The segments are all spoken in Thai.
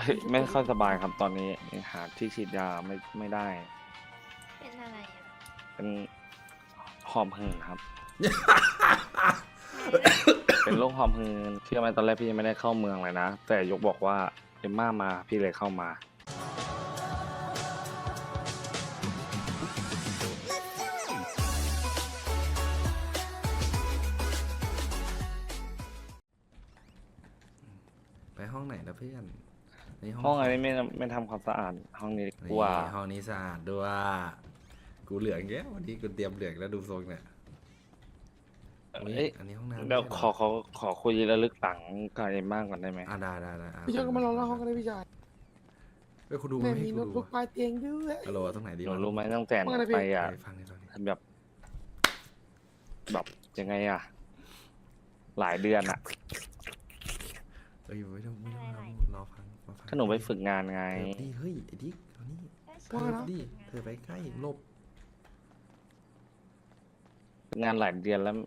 ไม่ค่อยสบายครับตอนนี้หาที่ฉีดยาไม่ได้เป็นอะไรอ่ะเป็นหอบหืดครับไม่ได้เป็นโรคหอบหืดเชื่อไหมตอนแรกพี่ยังไม่ได้เข้าเมืองเลยนะ แต่ยกบอกว่าเอ็มม่ามาพี่เลยเข้ามาไปห้องไหนนะเพื่อนนี่ห้องอะไรไม่ทำความสะอาดห้องนี้กนี่ว่าห้องนี้สะอาดด้วยกูเหลืองเยอะวันนี้กูเตรียมเหลืองแล้วดูทรงเนี่ยอุ๊ยเอ้ยอันนี้ห้องน้ำเดี๋ยวไม่ใช่ขเหรอคุยระลึกหลังกับเอ็มม่าก่อนได้ไหมได้อ่ะพี่ชายก็มารอหน้าห้องก็ได้พี่ชายเฮ้ยคุณดูแม่ไม่ให้มีกูโน้ตดูบุ๊กปลายเตียงด้วยฮัลโหลตรงไหนดีหนูวะรู้ไหมตั้งแต่ว่าไงนะพี่ไปอ่ะฟังนี่แบบแบบยังไงอ่ะ หลายเดือนอ่ะเอ้ยไม่ต้องรอฟังมาฟังถ้าหนูไปฝึกงานไงเถิบดิเฮ้ยไอ้ดิ๊กเอานี่ว่าเถิบนะดิเธอไปใกล้หลบฝึกงานหลายเดือนแล้ว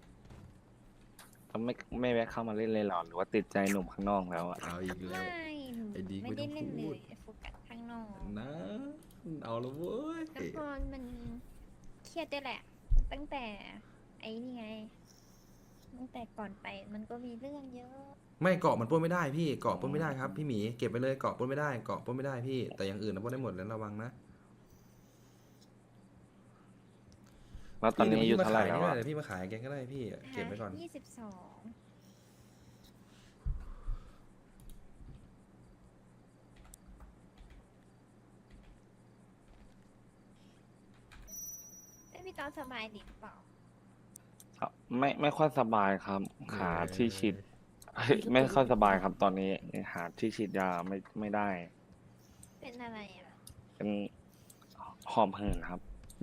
ไม่แวะเข้ามาเล่นเลยเหรอหรือว่าติดใจหนุ่มข้างนอกแล้วอ่ะเอาอีกแล้วไม่หนูไอ้ดีไม่ได้ไม่เล่นต้องเลพูดยโฟกัสข้างนอกนะเอาและเว้ยแล้วพอมันเครียดด้วยแหละ ตั้งแต่ไอ้นี่ไง ตั้งแต่ก่อนไปมันก็มีเรื่องเยอะไม่เกาะมันปล้นไม่ได้พี่เกาะปล้นไม่ได้ครับพี่หมีเก็บไปเลยเกาะปล้นไม่ได้เกาะปล้นไม่ได้พี่แต่อย่างอื่นนะปล้นได้หมดแล้วระวังนะแล้วตอนนี้อายู่เท่าไหร่แล้วพี่อ่ะเดี๋ยวพี่มาขายแกก็ได้พี่เก็บไว้ก่อน 22แต่พี่ตอนสบายดีหรือเปล่าไม่ค่อยสบายครับหาที่ฉีดไม่ค่อยสบายครับตอนนี้หาที่ฉีดยาไม่ได้เป็นอะไรอ่ะเป็นหอบหืดครับ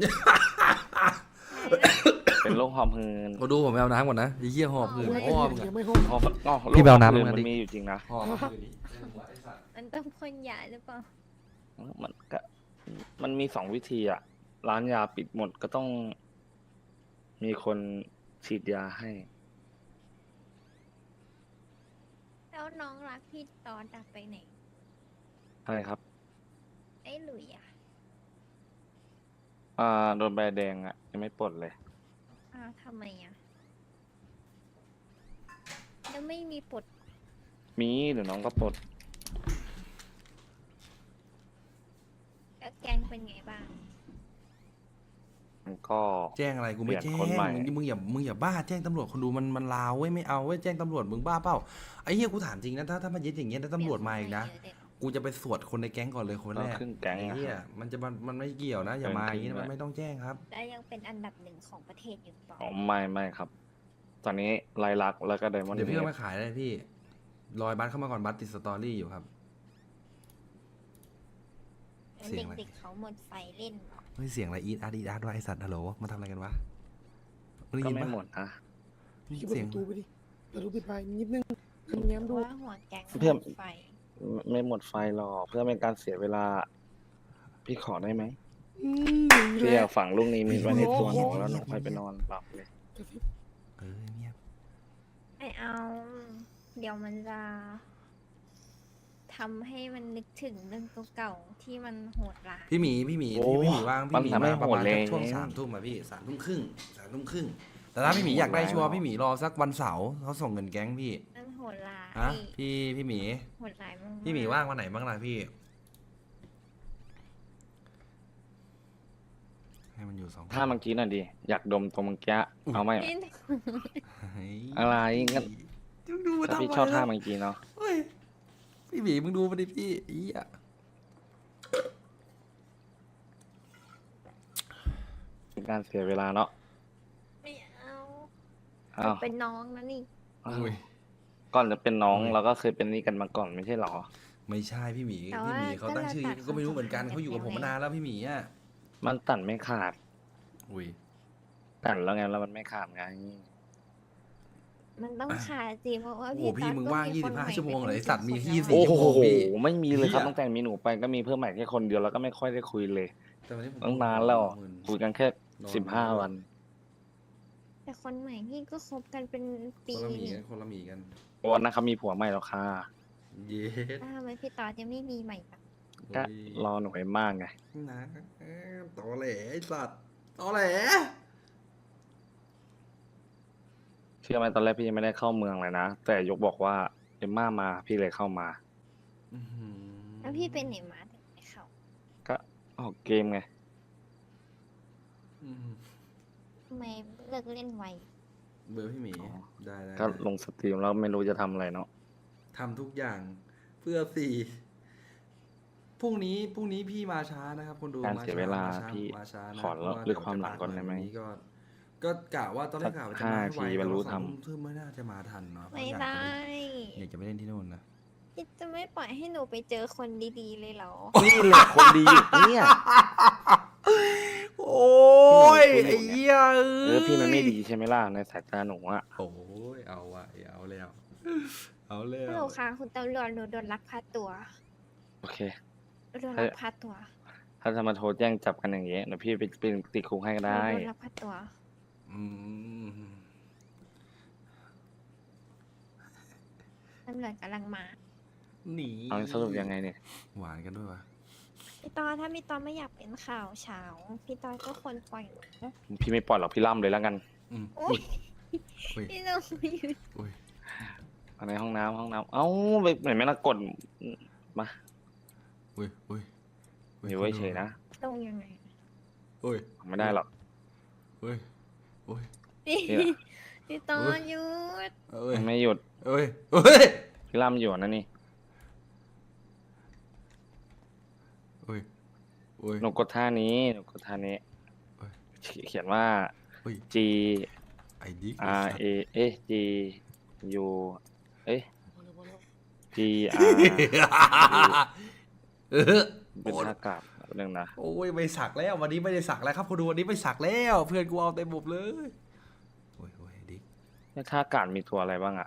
ไม่ได้เป็นโรคหอบหืดมาดูผมไปเอาน้ำก่อนนะไอ้เหี้ยหอบหืดไม่พ่อมึงยัอะงไม่ห้องหอบโรคพี่ไปเอาน้ำหบหืดมามันดิมีอยู่จริงนะหอบหืดดิมันต้องพ่นยาหรือเปล่ามันก็มันมีสองวิธีอ่ะ ร้านยาปิดหมดก็ต้องมีคนฉีดยาให้แล้วน้องรักพี่ตอนดับไปไหนใช่ครับไอ้หลุยอ่ะโดนใบแดงอ่ะยังไม่ปลดเลยอ้าวทำไมอ่ะแล้วไม่มีปลดมีเดี๋ยวน้องก็ปลดแล้วแกงเป็นไงบ้างมันก็แจ้งอะไรกูไม่เปลี่แจ้ยงนคนใหม่มึงอย่าบ้าแจ้งตำรวจคนดูมันลาวเว้ยไม่เอาเว้ยแจ้งตำรวจมึงบ้าเปล่าไอ้เหี้ยกูถามจริงนะถ้ามันยึดอย่างเงี้ยถ้าตำรวจมาอีกนะกูจะไปสวดคนในแก๊งก่อนเลยคนแรเรากขึ้นแก๊งไอ้นะเหี้คยรับมันไม่เกี่ยวนะอย่ามาอย่างงี้นะมันไม่ต้องแจ้งครับแล้วยังเป็นอันดับหนึ่งของประเทศอยู่เปล่าอ๋อไม่ครับ ตอนนี้ไลลักษณ์แล้วก็ไดมอนด์เดี๋ยวพี่เฮเอาดมาขายเลยพี่รอยบัตเข้ามาก่อนบัตติดสตอรี่อยู่ครับแล้วเสียงอะไรเด็กๆเขาหมดไฟเล่นเหรอเฮ้ยเสียงอะไรอีดอาร์ดวะไอสัตว์ฮัลโหลมาทำอะไรกันวะมึงได้ก็ยินไม่ปะหมดนะพี่ก็เปิดประตูไปดิเปิดประตูปิดไปนิดนึงแง้มดูว่าหัวแกงเพื่อนหมดไฟไม่หมดไฟหรอกเพื่อเป็นการเสียเวลา พี่ขอได้ไหม พี่แล้อยาว กฝังลูกนี้มีไว้ในตัวหนูแล้วหนูค่อยไปนอนหลับเลยกระซิบเงียบไม่เอา เดี๋ยวมันจะทำให้มันนึกถึงเรื่องเก่าๆที่มันโหดร้ายพี่หมีโอ้พี่หมีว่างมัพี่นหมีทำให้มาประมาณโหดเลยช่วง3 ทุ่มอะพี่3 ทุ่มครึ่งแต่ถ้าพี่หมีอยากได้ชัวร์พี่หมีรอสักวันเสาร์เขาส่งเงินแก๊งพี่มันโหดร้ายฮะพี่หมีโหดร้ายมากๆพี่หมีว่างวันไหนบ้างล่ะพี่ ให้มันอยู่2 ถ้าเมื่อกี้น่ะดิอยากดมตรงเมื่อกี้เอาไหมพี่อะไรงั้นดูมาถ้าทำพี่ไมชอบท่าล่ะเมื่อกี้เนาะเฮ้ยพี่หมีมึงดูมาดิพี่อีอะเป็นการเสียเวลาเนาะไม่เอาอ้าวเป็นน้องนะนี่อุ้ยก่อนจะเป็นน้องเราก็เคยเป็นนี่กันมาก่อนไม่ใช่หรอไม่ใช่พี่หมีแต่พี่ว่าหมีเขาตั้งชื่อก็เราตัดก็ไม่รู้เหมือนกันความสัมพันธ์เขาอยู่กับผมกันมานานแล้วพี่หมีอ่ะมันตัดไม่ขาดอุ้ยตัดแล้วไงแล้วมันไม่ขาดไงมันต้องขาดสิเพราะว่าโอ้โหพี่พี่ต๊อดมึงก็ว่างมีคนใหม่ 25 ชั่วโมงเหรอป็นไอ้สัตว์มี 10 24 โอ้ชั่วโหโมงพี่ไม่มีเลยครับเหี้ยตั้งแต่มีหนูไปก็มีเพิ่มใหม่แค่คนเดียวแล้วก็ไม่ค่อยได้คุยเลยแต่วันนี้ผมตั้งนานแล้วหมื่นคุยกันแค่นอน 15 วันแต่คนใหม่พี่ก็คบกันเป็นปีคนละหมีนี่กันคนละหมีกันวันนั้นเขามีผัวใหม่แล้วค่ะเย็ดทำไมพี่ตอดยังไม่มีใหม่ปะก็รอหน่วยมากไงนะตอแหลไอ้สัตว์ตอแหลเชื่อไหมตอนแรกพี่ยังไม่ได้เข้าเมืองเลยนะ แต่ยกบอกว่าเอ็มม่ามาพี่เลยเข้ามาอื้อหือแล้วพี่เป็นไหนมาถึงไม่เข้าก็ออกเกมไงอื้อหือทำไมเลิกเล่นไวเบอร์พี่หมีอ๋อได้ได้ก็ลงสตรีมแล้วไม่รู้จะทำอะไรเนาะทำทุกอย่างเพื่อสี่พรุ่งนี้พี่มาช้านะครับคนดูการเสียเวลาช้พี่มาช้านะขอเพราะว่าเลือกความหลังก่อนได้ไหมวันนี้ก็กะว่าตอนแรกกะว่าจะมาให้ไว 5 นาทีแต่บรรลุว่าธรรม 2 ทุ่มไม่น่าจะมาทันเนาะเพราะไม่อยากได้อยากจะไปเล่นที่นู่นนะพี่จะไม่ปล่อยให้หนูไปเจอคนดีๆเลยเหรอนี่แหละคนดีอยู่เนี่ยโอ้ยพี่หนูไอ้เหี้ยพี่มันไม่ดีใช่ไหมล่ะในสายตาหนูอะโอ้ยเอาว่ะเอาแล้วเอาแล้ฮัลโหลวค่ะคุณตำรวจหนูโดนลักพาตัวโอเคโดนลักพาตัวถ้าจะมาโทรแจ้งจับกันอย่างเงี้ยเดี๋ยวพี่ไปติดคุกให้ก็หนูได้โดนลักพาตัวอืมตำรวจกำลังมาหนีเอาสรุปยังไงเนี่ยหวานกันด้วยวะพี่ตอถ้าพี่ตอไม่อยากเป็นข่าวเช้าพี่ตอก็ควรปล่อยหนูพี่ไม่ปล่อยหรอกพี่ล่ำเลยแล้วกันอืมโอ๊ยอุ้ยพี่หนูอยู่อุ้ยในห้องน้ำเอ้าไปไหนไม่ละกดมาอุ้ยอุ้ยอยู่ไว้เฉยนะลงยังไงอุ้ยไม่ได้หรอกอุ้ยอุ้ยพี่นี่แหละพี่ตออุ๊ยหยุดอุ้ยไม่หยุดอุ้ยอุ้ยพี่ล่ำอยู่นะนี่อุ้ยอุ้ยหนูกดท่านี้หนูกดท่านี้เอ้ยเขียนว่าอุ้ย G ไอ้ดิ๊ก R A เอ๊ะ G U เอ๊ะ G R เออเป็นท่ากาบเรื่องนะโอ้ยไม่สักแล้ววันนี้ไม่ได้สักแล้วครับคุณดูวันนี้ไม่สักแล้วเพื่อนกูเอาเต็มบบเลยโอ้ยโอ้ยดิ๊กในท่ากาบมีตัวอะไรบ้างอะ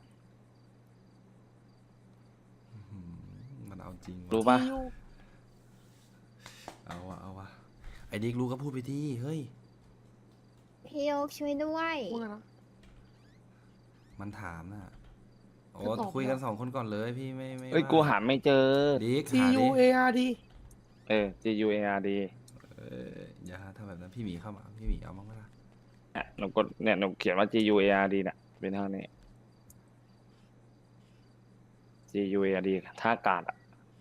อื้อหือมันเอาจริงว่ะรู้ปะเอาวะเอาวะไอ้ดิ๊กรู้ก็พูดไปที่เฮ้ยพี่โยกช่วยด้วยว่าไงนะมันถามน่ะโอ้จะตอบคุยกันเหรอสองคนก่อนเลยพี่ไม่เอ้ยว่กูหาไม่เจอดิ๊ก G หา U ดิ A R D G U A R D อย่าถ้าแบบนั้นพี่หมีเข้ามาพี่หมีเอาบ้างไหมล่ะเนี่ยหนูกดเนี่ยหนูเขียนว่า G U A R D เนี่ยเป็นเท่านี้ G U A R D ท่ากาดอะ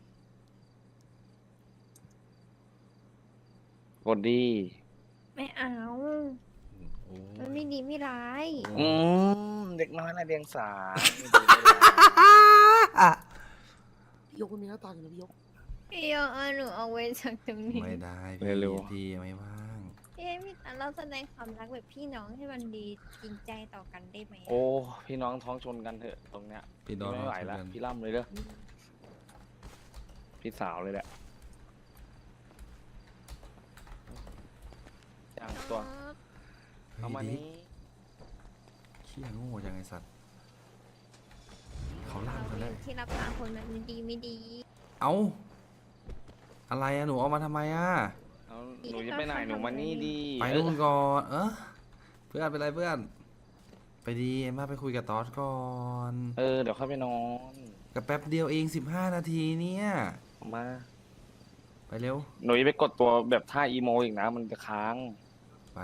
กดดีไม่เอาโอ้มันไม่ดีไม่ร้ายเด็กน้อยละเดียงสาพี่ยกมันมีหน้าตาอยู่นะพี่ยกพี่โยกเอาหนูเอาไว้จากตรงนี้ไม่ได้พี่ไม่ว่างพี่ให้พี่ตาเราแสดงความรักแบบพี่น้องให้มันดีจริงใจต่อกันได้ไหมอะโอ้ พี่น้องท้องชนกันเถอะตรงเนี้ยพี่ดอนไม่ไหวแล้ว พี่ล่ำเลยเด้อพี่สาวเลยแหละย่างตัวเอามานี้เขี้ยโง่จังไอสัตว์เขาล่ามกันแล้วที่รับตาคนมันดีไม่ดีเอาอะไรอะหนูเอามาทำไมอะเอาหนูจะไปไหนหนูมานี่ดีไปนู่นก่อนเพื่อนเป็นไรเพื่อน ไปดีมาไปคุยกับตอสก่อนเดี๋ยวเข้าไปนอนกับแป๊บเดียวเอง15 นาทีเนี่ยมาไปเร็วหนูจะไปกดตัวแบบท่าอีโมอีกนะ มันจะค้างไป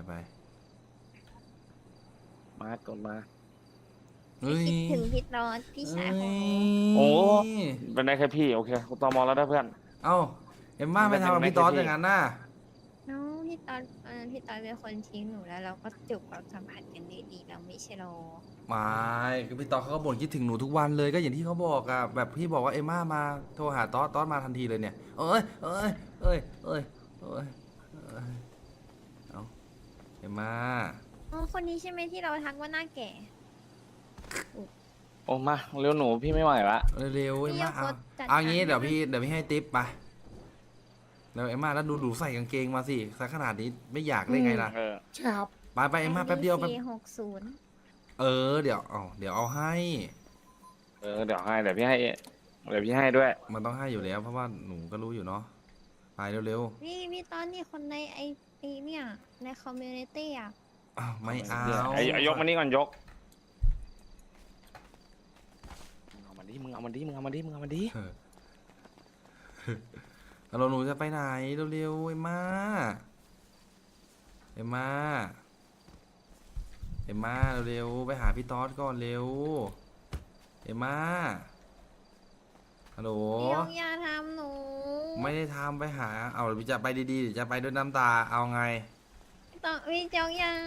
มากดมาเฮ้ยคิดถึงพี่ตอนพี่ชายของหนูโอ้ เป็นได้แค่พี่ โอเคกูตอมอแล้วได้เพื่อนเอ้าเอ็มม่าไปทำกับพี่ตอสอย่างนั้นน่ะน้องพี่ตอนพี่ตอนเป็นคนทิ้งหนูแล้วเราก็จบความสัมพันธ์กันดีๆเราไม่ใช่หรอไม่คือพี่ตอสเขาก็บ่นคิดถึงหนูทุกวันเลยก็อย่างที่เขาบอกอะแบบพี่บอกว่าเอ็มม่ามาโทรหาตอสมาทันทีเลยเนี่ยเอ้ยเอาเอ็มม่าอ๋อคนนี้ใช่ไหมที่เราทักว่าหน้าแก่โอ้มาเร็วหนูพี่ไม่ไหวละเร็วๆเอ็มม่าพี่เอายกรถจัดเอางี้การเดี๋ยวพี่ให้ทิปไปแล้วเอ็มม่าแล้วดูใส่กางเกงมาสิสักขนาดนี้ไม่อยากได้ไงล่ะใช่ครับไปเอ็มม่าแป๊บเดียวแป๊บ 460 เดี๋ยวเอาให้เดี๋ยวให้เดี๋ยวพี่ให้ด้วยมันต้องให้อยู่แล้ว เพราะว่าหนูก็รู้อยู่เนาะไปเร็วพี่ตอนนี้คนในไอเนี่ยในคอมมูนิตี้อ่ะๆอ้าวไม่เอาไอ้ยกมานี่ก่อนยกเอามาดิดิมึงเอามันดิมึงเอามันดิมึงเอามันดิเราหนูจะไปไหนเร็วๆเอ็มม่าเอ็มม่าเอ็มม่าเร็วๆไปหาพี่ต๊อดก่อนเร็วเอ็มม่าฮัลโหลพี่ยกอย่าทำหนูไม่ได้ทำไปหาเอาจะไปดีๆหรือจะไปด้วยน้ำตาเอาไงต้องพี่ยกอย่า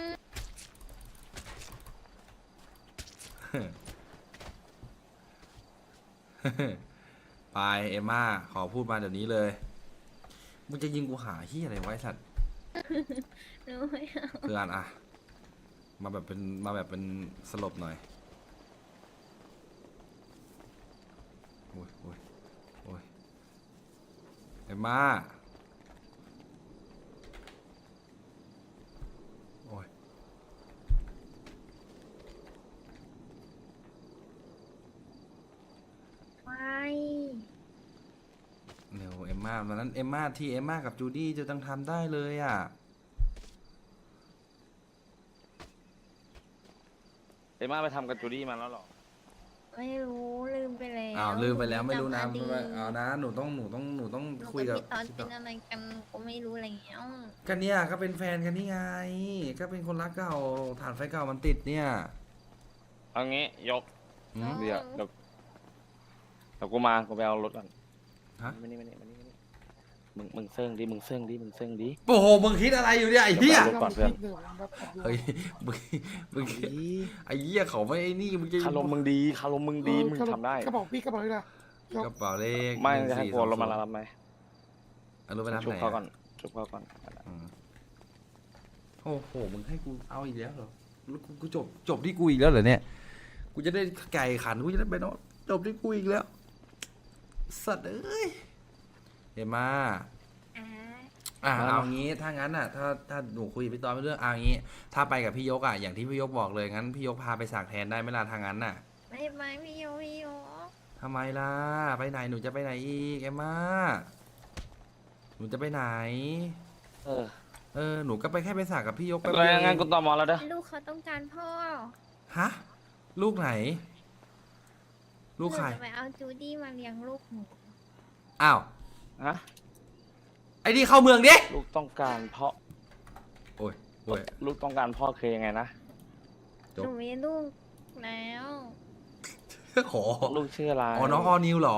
ไปเอ็มม่าขอพูดมาเดี๋ยวนี้เลยมึงจะยิงกูหาที่อะไรไวะไอ้สัตว์หนูไม่เอาเพื่อนอะมาแบบเป็นสลบหน่อยโอ้ยโอ้ยโอ้ยเอ็มม่าโอ้ยไม่เร็วเอ็มม่าวันนั้นเอ็มม่าที่เอ็มม่ากับจูดี้จะต้องทำได้เลยอ่ะเอ็มม่าไปทำกับจูดี้มาแล้วเหรอไม่รู้ลืมไปแล้วอ้าวลืมไปแล้วไม่รู้นะจำอดีตเอานะหนูต้องหนูคุยกักับบ พี่ตอนเป็นอะไรกันก็ไม่รู้อะไรแล้วกันเนี่ยก็เป็นแฟนกันนี่ไง ก็เป็นคนรักเก่าฐานไฟเก่ามันติดเนี่ยเอางี้ยกหืมเดี๋ยวกูมากูไปเอารถก่อนฮะมานี่มึงเซิ่งดิมึงเซิ่งดิโอ้โหมึงคิดอะไรอยู่เนี่ยไอ้เหี้ยรถก่อนเพื่อนดี๋ยวผมแบบขับรถเฮ้ยมึงไอ้เหี้ยเขาไม่ไอ้นี่มึงจะคารมมึงดีมึงทำได้กระเป๋าพี่กระเป๋าเลยนะยกกระเป๋าเลขไม่จะให้ 14 กูเอารถมารับไหมเอารถไปรับชุบไหนเขาก่ออะนชุบเขาก่อนอืมโอ้โหมึงให้กูเอาอีกแล้วเหรอแล้วกูจบที่กูอีกแล้วเหรอเนี่ยกูจะได้ไก่ขันกูจะได้ไปนอนจบที่กูอีกแล้วสัตว์เอ้ยเห็นมาอ่าเอางี้ถ้างั้นอ่ะถ้าหนูคุยกับพี่ตอนไม่เรื่องเอางี้ ถ้าไปกับพี่ยกอ่ะอย่างที่พี่ยกบอกเลยงั้นพี่ยกพาไปสักแทนได้ไหมล่ะทางนั้นน่ะไม่พี่โยทำไมล่ะไปไหนหนูจะไปไหนอีกเอ็มม่าหนูจะไปไหน หนูก็ไปแค่ไปสักกับพี่ยกไปแล้วยังไงกูต่อมอแล้วเด้อลูกเขาต้องการพ่อฮะลูกไหน ลูกใครหนูจะไปเอาจูดี้มาเลี้ยงลูกหนูอ้าวฮะไอ้นี่เข้าเมืองดิลูกต้องการพ่อโอ้ยโอ้ยลูกต้องการพ่อคือยังไงนะจบหนูมีลูกแล้วขอลูกชื่ออะไรอ๋อน้องออนิวเหรอ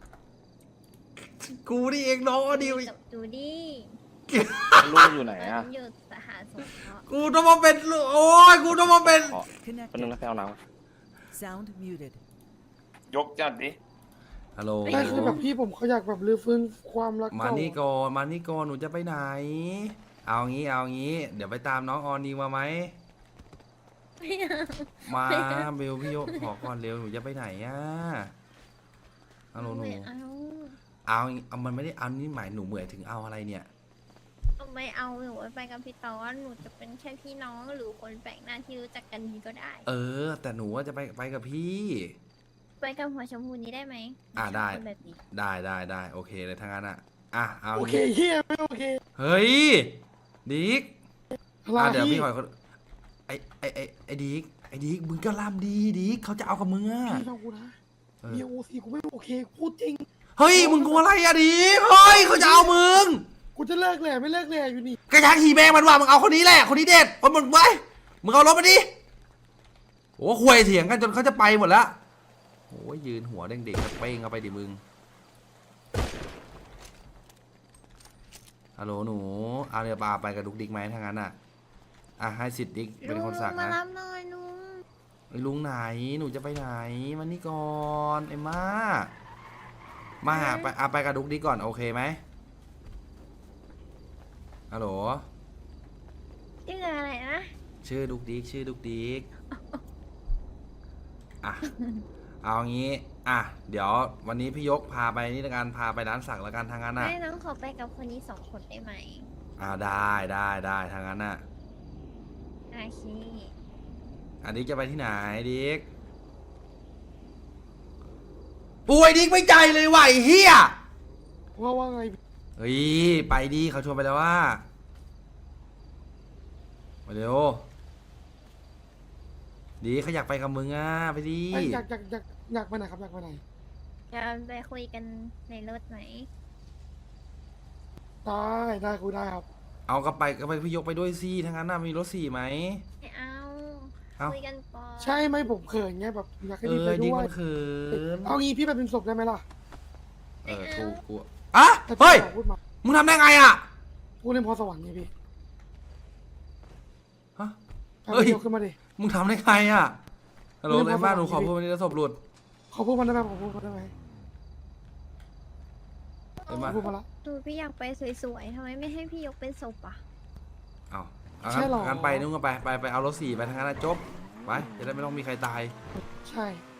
กูนี่เองน้องออนิวกับจูดี้ลูกอยู่ไหนตอนอ่ะนั้นอยู่สหสงเคราะห์กูต้องมาเป็นลูกโอ้ยกูต้องมาเป็นขอเป็นนึง Connected. นะไปเอาน้ Sound muted. ำยกจัดดิฮัลโหลได้คือแบบพี่ผมเขาอยากแบบรื้อฟื้นความรักมาเก่านี่ก่อนมานี่ก่อนหนูจะไปไหน เอางี้เอางี้ เดี๋ยวไปตามน้องออนิวมาไหมไม่เอามาเบลพี่โยกขอก่อนเร็วหนูจะไปไหนอ่ะฮัลโหลหนูไม่เอาเอามันไม่ได้เอานี่หมายหนูเหมือนถึงเอาอะไรเนี่ยไม่เอาหนูไปกับพี่ตอนหนูจะเป็นแค่พี่น้องหรือคนแปลกหน้าที่รู้จักกันดีก็ได้แต่หนูว่าจะไปกับพี่ไปกับหัวชมพูนี้ได้ไหมได้คนแบบนี้ได้โอเคเลยทั้งนั้นเอาโอเคเฮียไม่โอเคเฮ้ยดิกอะไรเดี๋ยวพี่พี่ขอไอ้ดิกมึงก็ล่ำดีดิกเขาจะเอากับมึงอ่ะพี่ฟังกูนะเออมีโอซีกูไม่โอเคพูดจริงเฮ้ยมึงกลัวอะไรอะดิกเฮ้ยเขาจะเอามึงกูจะเลิกแหล่ไม่เลิกแหล่อยู่นี่กระชังขี่แมงมันว่ามึงเอาคนนี้แหละคนนี้เด็ดคนมึงไปมึงเอารถมาดิโอ้คุยเถียงกันจนเขาจะไปหมดแล้วโอ้ยยืนหัวเด้งเด็กเป้งเอาไปดิมึงฮัลโหลหนูเอาเดี๋ยวปาไปกับดุกดิกไหมถ้างั้นให้สิทธิ์ดิกเป็นคนสักมานะรับหน่อยลุงไอ้ลุงไหนหนูจะไปไหนมานี่ก่อนไอ้มาหาไปกับดุกดิกก่อนโอเคไหมฮัลโหลชื่ออะไรนะชื่อดุกดิกเอางี้เดี๋ยววันนี้พี่ยกพาไปนี่ละกันพาไปร้านสักละกันทางนั้นให้น้องขอไปกับคนนี้2 คนได้ไหมได้ทางนั้นโอเคดิกจะไปที่ไหนดิกป่วยดิกไม่ใจเลยว่ะไอ้เฮียว่าไงเฮ้ยไปดิเขาชวนไปแล้วว่ามาเร็วดีเขาอยากไปกับมึงไปดิอยากไปไหนครับอยากไปไหนจะไปคุยกันในรถไหมได้คุยได้ครับเอากลับไปพี่ยกไปด้วยสิทั้างนั้นน่ะมีรถ4ไหมไม่เอาเอ้าคุยกันก่อนใช่ไหมผมเขินไงแบบอยากให้ดีไปดิด้วมัยนเขินเอางี้พี่ไปเป็นศพได้ไหมล่ะกูอ่ะแต่พี่เฮ้ยขอพูดมามึงทำได้ไงอ่ะพูดเล่นพรสวรรค์ไงพี่ฮะเอาเฮ้ยพี่ยกขึ้นมาดิมึงทำได้ไงอ่ะฮัลโหลไม่เลได้ยบ้านหนูพอขอสวรรค์พูดวันนี้แล้วศพหลุดขอพูดมันได้ไหมขอพูดมันได้ไหมเห็นขปะอพูดมาละดูพี่อยากไปสวยๆทำไมไม่ให้พี่ยกเป็นศพอ่ะเอาใช่หรองั้นไปนู่นก็ไปเอารถ4ไปทั้งนั้นนะจบไปจะได้ไม่ต้องมีใครตายใช่